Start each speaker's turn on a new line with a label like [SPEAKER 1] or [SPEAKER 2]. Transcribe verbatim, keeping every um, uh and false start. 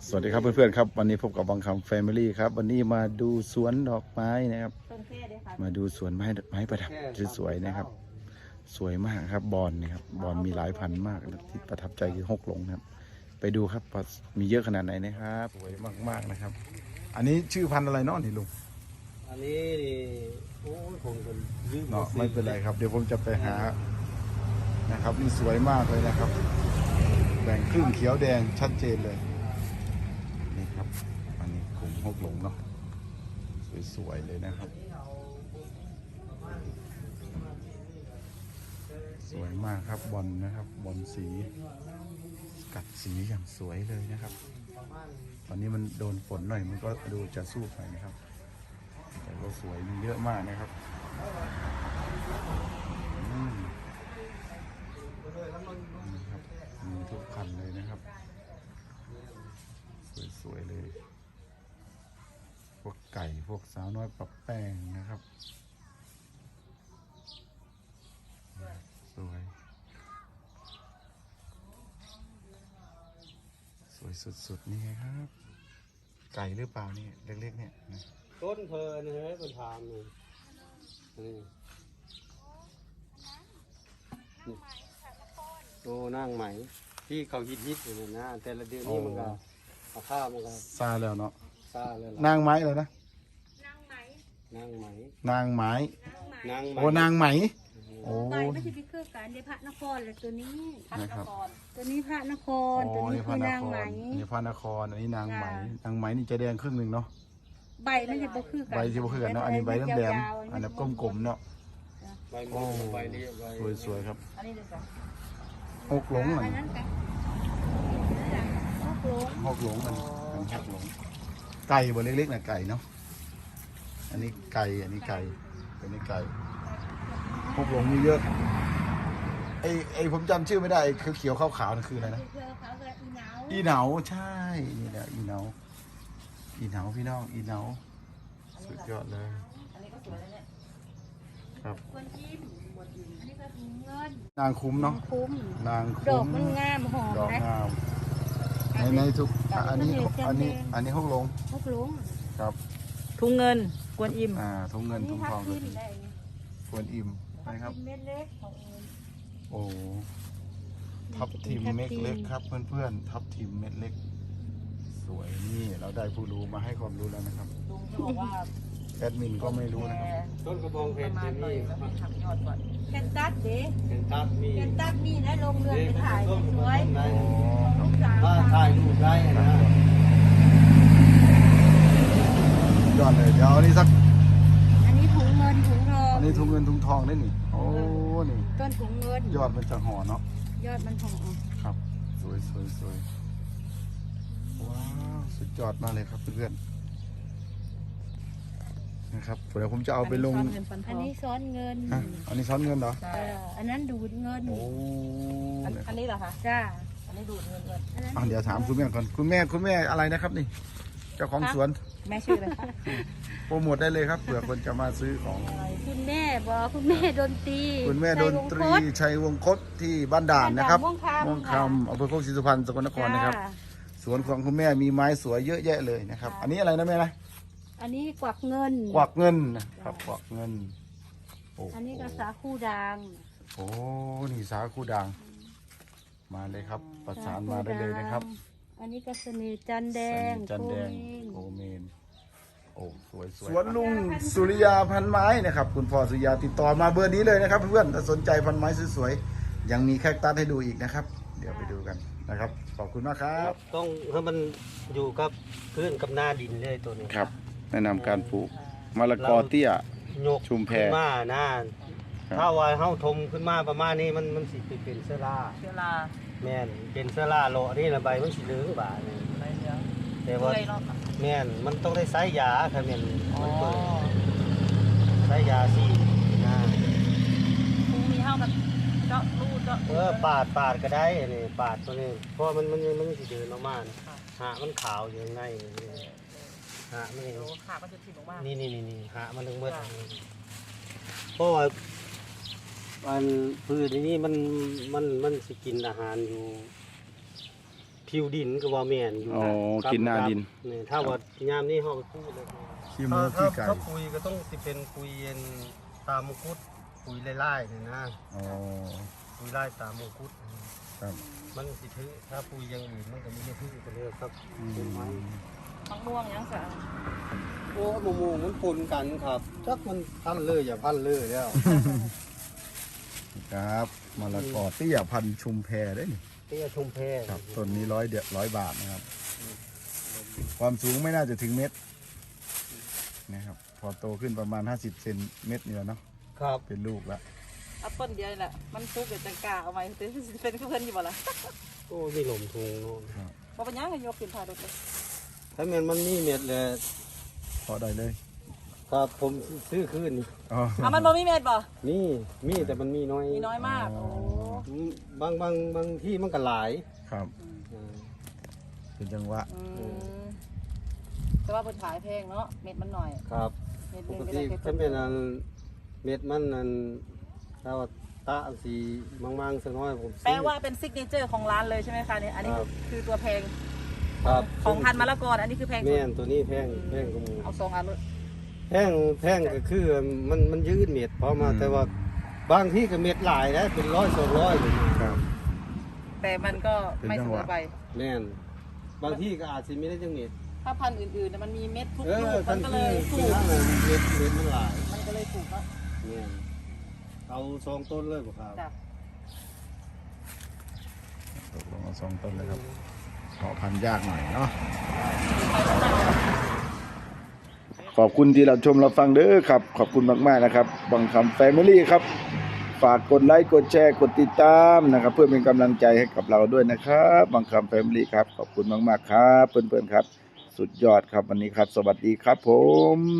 [SPEAKER 1] สวัสดีครับเพื่อนๆครับวันนี้พบกับวังคำแฟมิลี่ครับวันนี้มาดูสวนดอกไม้นะครับมาดูสวนไม้ไม้ประดับสวยๆนะครับสวยมากครับบอลนะครับบอลมีหลายพันมากที่ประทับใจคือฮกหลงครับไปดูครับมีเยอะขนาดไหนนะครับสวยมากๆนะครับอันนี้ชื่อพันธุ์อะไรเนาะนี่ลุง
[SPEAKER 2] อันนี้นี่โอ้ยผมกันยืม
[SPEAKER 1] เนาะไม่เป็นไรครับเดี๋ยวผมจะไปหานะครับนี่สวยมากเลยนะครับแบ่งครึ่งเขียวแดงชัดเจนเลยนี่ครับอันนี้กลุ่มฮกหลงเนาะสวยๆเลยนะครับสวยมากครับบอลนะครับบอลสีกัดสีอย่างสวยเลยนะครับตอนนี้มันโดนฝนหน่อยมันก็ดูจะสู้ไปนะครับแต่ก็สวยมีเยอะมากนะครับอืมนี่ครับมีทุกพันเลยนะครับสวยๆเลยพวกไก่พวกสาวน้อยปรับแป้งนะครับสวยสวยสุดๆนี่ไงครับไก่หรือเปล่านี่เล็กๆเนี่ยนะ
[SPEAKER 2] ต้นเพลินเฮ้ยคนถามนี่นี่โอ้นั่งไหมที่เขาฮิตฮิตอยู่นะ แต่ละเดือนนี่มันก็ราคามันก็
[SPEAKER 1] ซาแล้วเนาะ
[SPEAKER 2] ซาเลย
[SPEAKER 1] นางไม้เลยนะ
[SPEAKER 2] นางไหม
[SPEAKER 1] นางไม้
[SPEAKER 2] นางไหม
[SPEAKER 1] โอ้นางไหมโอ้
[SPEAKER 3] ใบไม่ใช่พิเครือการเดี๋ยวพระนครเลยตัวนี้
[SPEAKER 1] นะครับ
[SPEAKER 3] ตัวนี้พระนคร
[SPEAKER 1] โอ้
[SPEAKER 3] ตัวนี้
[SPEAKER 1] นี่พ
[SPEAKER 3] คื
[SPEAKER 1] ระ
[SPEAKER 3] อน นาง
[SPEAKER 1] ค
[SPEAKER 3] ไหม
[SPEAKER 1] รนี่พระนครอันนี้นางไหม
[SPEAKER 3] จ้ะ
[SPEAKER 1] นางไหมนี่จะแดงครึ่งหนึ่งเนาะ
[SPEAKER 3] ใบไม่ใช่บ่คือกัน
[SPEAKER 1] ใบที่บ่คือกันเนาะอันนี้ใบแหลมๆอันนั้นกลมๆเนาะ
[SPEAKER 2] ใบ
[SPEAKER 1] โอ้
[SPEAKER 2] มันใบเรียบใบ
[SPEAKER 1] สวยๆครับ
[SPEAKER 3] อันนี้เดี๋ยวก่อน
[SPEAKER 1] หกหลง
[SPEAKER 3] อั
[SPEAKER 1] มัน
[SPEAKER 3] นนั้นกันฮกหลง
[SPEAKER 1] หกหลงมันอันหกหลงไก่บนเล็กๆน่ะไก่เนาะอันนี้ไก่อันนี้ไก่อันนี้ไก่หกหลงมีเยอะไอไอผมจำชื่อไม่ได้ไอ้เขียวๆขาวๆนั่นคืออะไรนะ
[SPEAKER 3] เพื่อเขาเกิดอีเหนา
[SPEAKER 1] อีเหนาใช่นี่แหละอีเหนาอีเหนาพี่น้องอีเหนาสุดยอดเลย
[SPEAKER 3] อันนี้ก็สวยแล้วเนี่ย
[SPEAKER 1] ครับ
[SPEAKER 3] กวนจิ้มอันนี้ก็ถุงเงิน
[SPEAKER 1] นางคุ้มเนาะ
[SPEAKER 3] คุ้ม
[SPEAKER 1] นาง
[SPEAKER 3] ดอ
[SPEAKER 1] คุ้
[SPEAKER 3] ก
[SPEAKER 1] ม
[SPEAKER 3] มันงามหอม
[SPEAKER 1] ดอก
[SPEAKER 3] นะ
[SPEAKER 1] งามในในทุกอ่ะอันนี้อันนี้อันนี้หกลง
[SPEAKER 3] ฮกหลง
[SPEAKER 1] ครับ
[SPEAKER 4] ถุงเงินกวนอิม
[SPEAKER 1] อ่าทุ่งเงินทุ่งทองก็
[SPEAKER 3] นี่
[SPEAKER 1] ดี
[SPEAKER 3] ทับทิมได้
[SPEAKER 1] ควรอิ่มนะครับ
[SPEAKER 3] เม็ดเล็กของเอง
[SPEAKER 1] โอ้ทับทิมเม็ดเล็กครับเพื่อนๆทับทิมเม็ดเล็ก สวยนี่เราได้ผู้รู้มาให้ความรู้แล้วนะครับ
[SPEAKER 4] ลุงจะบอกว่า
[SPEAKER 1] แอดมินก็ไม่รู้นะครับ
[SPEAKER 2] ต้นกระบองเพ
[SPEAKER 4] ป
[SPEAKER 2] ช
[SPEAKER 4] ระ
[SPEAKER 2] ร
[SPEAKER 4] มาณหน่อย
[SPEAKER 2] นี่
[SPEAKER 4] แล้วให้ทำยอดก่อน
[SPEAKER 3] แคนตัสเด้
[SPEAKER 2] เป็นตับมี
[SPEAKER 3] แคนตัสมีนะลงเรือไปถ่ายสวย
[SPEAKER 2] ได้
[SPEAKER 3] ลูกสาว
[SPEAKER 2] ถ้าถ่ายรูปได้นะ
[SPEAKER 1] ยอดเลยเดี๋ยวอันนี้สัก
[SPEAKER 3] อันนี้ถุงเงินถุงทอง
[SPEAKER 1] อันนี้ทุ่งเงินทุ่งทองได้นี่โอ้นี่
[SPEAKER 3] ต้นถุงเงิน
[SPEAKER 1] ยอดมันจะห่อเนาะ
[SPEAKER 3] ยอดมันทอง
[SPEAKER 1] ครับสวยสวยสวยว้าวสุดยอดมากเลยครับเพื่อนๆนะครับเดี๋ยวผมจะเอาไปลง
[SPEAKER 4] อันนี้ซ่อนเงินฟันท
[SPEAKER 3] อัน
[SPEAKER 4] อง
[SPEAKER 3] นี้ซ้อนเงิน
[SPEAKER 1] ฮะอันนี้ซ้อนเงินเหรอ
[SPEAKER 4] ใช่
[SPEAKER 3] เอออันนั้นดูดเงิน
[SPEAKER 1] โอ้
[SPEAKER 4] อันอันนี้เหรอคะ
[SPEAKER 3] จ้า
[SPEAKER 4] อันนี้ดูดเงินก่อน
[SPEAKER 3] อันนั้น
[SPEAKER 1] อ่ะเดี๋ยวถามคุณแม่ก่อนคุณแม่คุณแม่อะไรนะครับนี่ เจ้าของสวน
[SPEAKER 4] แม่ชื่ออะไรคะ
[SPEAKER 1] โปรโมทได้เลยครับเผื่อคนจะมาซื้อของ
[SPEAKER 3] คุณแม่บอกคุณแม่ดนตรี
[SPEAKER 1] คุณแม่ดนตรี
[SPEAKER 3] ชัยวงศ์
[SPEAKER 1] ชัยวงคตที่บ้านด่านนะครับ
[SPEAKER 3] ม่วงคำ
[SPEAKER 1] ม่วงคำอำเภอโคกศรีสุพรรณสกลนครนะครับ
[SPEAKER 3] จ้า
[SPEAKER 1] สวนของคุณแม่มีไม้สวยเยอะแยะเลยนะครับ
[SPEAKER 3] ค่ะ
[SPEAKER 1] อันนี้อะไรนะแม่นะ
[SPEAKER 3] อันนี้กวักเงิน
[SPEAKER 1] กวักเงินนะครับกวักเงินโอ้โห
[SPEAKER 3] อันนี้ก็สาคูด่าง
[SPEAKER 1] โอ้นี่สาคูด่างมาเลยครับ ประสานมาได้เลยนะครับ
[SPEAKER 3] อันนี้ก็เสน่ห์จันแดง
[SPEAKER 1] จันแดง
[SPEAKER 3] โค
[SPEAKER 1] โก
[SPEAKER 3] เมน
[SPEAKER 1] เมนโอ้สวยสวยสวนลุงสุริยาพันไม้นะครับคุณพ่อสุริยาติดต่อมาเบอร์นี้เลยนะครับ เพื่อนถ้าสนใจพันไม้สวยๆยังมีแคคตัสให้ดูอีกนะครับ เดี๋ยวไปดูกันนะครับขอบคุณมากครับ
[SPEAKER 2] ต้องให้มันอยู่กับพื้นกับหน้าดินเลยตัวนี้
[SPEAKER 1] ครับ แนะนำการปลูกมะละกอเตี้ย
[SPEAKER 2] ยก
[SPEAKER 1] ชุมแพ
[SPEAKER 2] ขึ้นมานะถ้าว่าเฮาทมขึ้นมาประมาณนี้มันมันสิเป็นเสื้อรา
[SPEAKER 4] เชื้อรา
[SPEAKER 2] แม่นเป็นเสื้อราโลนี่ละใบมันสิเหลืองบาดนี่
[SPEAKER 4] อะไรเนื้อ
[SPEAKER 2] แต่ว่า
[SPEAKER 4] เปื่อยเนาะ
[SPEAKER 2] แม่นมันต้องได้ใช้ยาค่ะแม่น
[SPEAKER 4] อ๋อ
[SPEAKER 2] มันเปิดใช้ยาสินะ
[SPEAKER 4] คงมีเท่ากับเจาะรูดเจาะ
[SPEAKER 2] เออปาดปาดก็ได้นี่ปาดตัวนี้เพราะมันมันมันสิเดินออกมานะหามันขาวอยู่ข้างในนี่หามันนี่
[SPEAKER 4] โอ้ขาก็จะถิ่นออกมา
[SPEAKER 2] นี่นี่นี่นี่หามันถึงเมื่อเพราะว่ามันพืชนี้มันมันมันสิกินอาหารอยู่ พคิวดินก็ว่าแม่นอยู่
[SPEAKER 1] อ๋อ
[SPEAKER 2] ครับ
[SPEAKER 1] กินหน้าดิน
[SPEAKER 2] นี่ถ้าว่ายามนี้เฮาไปพูดเลย
[SPEAKER 1] ขี้หมู
[SPEAKER 2] ถ้า
[SPEAKER 1] ขี้ไก่
[SPEAKER 2] ถ้าปุ๋ยก็ต้องสิเป็นปุ๋ยเย็นตามมงกุฎปุ๋ยไล่ๆนี่นะ
[SPEAKER 1] อ๋อ
[SPEAKER 2] ปุ๋ยไล่ตามมงกุฎ
[SPEAKER 1] ครับ
[SPEAKER 2] มันสิถือถ้าปุ๋ยอย่างอื่นมันก็มีไม่ถือกันเลยครับ
[SPEAKER 1] อื
[SPEAKER 2] เป็นไม้
[SPEAKER 1] ม
[SPEAKER 4] มะม่วงยังสะ
[SPEAKER 2] โอ้หมูมันปนกันครับจักมันพันเลยอย่าพันเลยแล้ว
[SPEAKER 1] ครับมะละกอเตี้ยพันธุ์ชุมแพได้นี่
[SPEAKER 2] เตี้ยชมแพ
[SPEAKER 1] ครับต้นนี้ร้อยเดียร้อยบาทนะครับ ความสูงไม่น่าจะถึงเม็ดนะครับ พอโตขึ้นประมาณห้าสิบเซนเม็ดเนี่ยเนาะ
[SPEAKER 2] ครับ
[SPEAKER 1] เป็นลูกแล้ว
[SPEAKER 4] เอาต้นเดียวนี่แหละมันซุกเดี๋ยวจังกล้าเอาไว้เป็นเป็นเพื่อนอยู่บ่ล่ะ
[SPEAKER 2] โอ้มีหลมทุงโน่น
[SPEAKER 4] บ่เป็นหยังให้ยกขึ้นถ่ายรถเลย
[SPEAKER 2] ถ้าแม่นมันมีเม็ดแหละ
[SPEAKER 1] พอได้เลย
[SPEAKER 2] ครับผมซื้อคืนนี่
[SPEAKER 1] อ๋อ
[SPEAKER 4] อ่ะมันบ่มีเม็ดบ่
[SPEAKER 2] มีมีแต่มันมีน้อย
[SPEAKER 4] มีน้อยมากโอ้
[SPEAKER 2] อืมบางบางบางที่มันก็หลาย
[SPEAKER 1] ครับ
[SPEAKER 2] อ่า
[SPEAKER 1] เป็นจังหวะ
[SPEAKER 4] อืมแต่ว่าเพิ่นขายแพงเนาะเม็ดมันหน่อย
[SPEAKER 2] ครับ
[SPEAKER 4] เม็ดห
[SPEAKER 2] ป
[SPEAKER 4] นึง
[SPEAKER 2] ก
[SPEAKER 4] ก็
[SPEAKER 2] ติ
[SPEAKER 4] ได้แค่
[SPEAKER 2] ถ้าเป็นอันเม็ดมันอันถ้าว่าตาอันสีมังๆสักน้อยผมซื้อ
[SPEAKER 4] แปลว่าเป็นซิกเนเจอร์ของร้านเลยใช่ไหมคะเนี่ยอันนี้
[SPEAKER 2] ครับ
[SPEAKER 4] คือตัวแพง
[SPEAKER 2] ครับ
[SPEAKER 4] ของพันธุ์มะละกออันนี้คือแพงสุ
[SPEAKER 2] แม่
[SPEAKER 4] ด
[SPEAKER 2] นตัวนี้แพงแพงกว่าหมู
[SPEAKER 4] เอาสองอันเลย
[SPEAKER 2] แพงแพงก็คือมันมันยืดเม็ดเพราะมาแต่ว่าบางที่ก็เม็ดหลายนะเป็นร้อยสองร้อยเลย
[SPEAKER 1] ครับ
[SPEAKER 4] แต่มันก็ไม่เสมอไป
[SPEAKER 2] แม่นบางที่ก็อาจจะไม่ได้จังเม็ด
[SPEAKER 4] ถ้าพันธุ์อื่นๆเนี่ยมันมีเม็ดทุก
[SPEAKER 2] เอ
[SPEAKER 4] ลู
[SPEAKER 2] อก
[SPEAKER 4] มั
[SPEAKER 2] ทั
[SPEAKER 4] น
[SPEAKER 2] น
[SPEAKER 4] ก็เล
[SPEAKER 2] ที่
[SPEAKER 4] ยถู
[SPEAKER 2] ที่
[SPEAKER 4] ก
[SPEAKER 2] นั่นน่ะเม็ดเม็ดมันหลาย
[SPEAKER 4] มันก็เลยถูกเนาะ
[SPEAKER 2] แม่นเอาสองต้นเลยบ่ครับ
[SPEAKER 4] จ้ะ
[SPEAKER 1] ตกลงเอาสองต้นเลยครับขอพันธุ์ยากหน่อยเนาะ ขอบคุณที่เราชมเราฟังเด้อครับ ขอบคุณมากๆนะครับบังคำแฟมิลี่ครับ ฝากกดไลค์กดแชร์กดติดตามนะครับ เพื่อเป็นกำลังใจให้กับเราด้วยนะครับบังคำแฟมิลี่ครับ ขอบคุณมากๆครับเพื่อนๆครับ สุดยอดครับวันนี้ครับ สวัสดีครับผม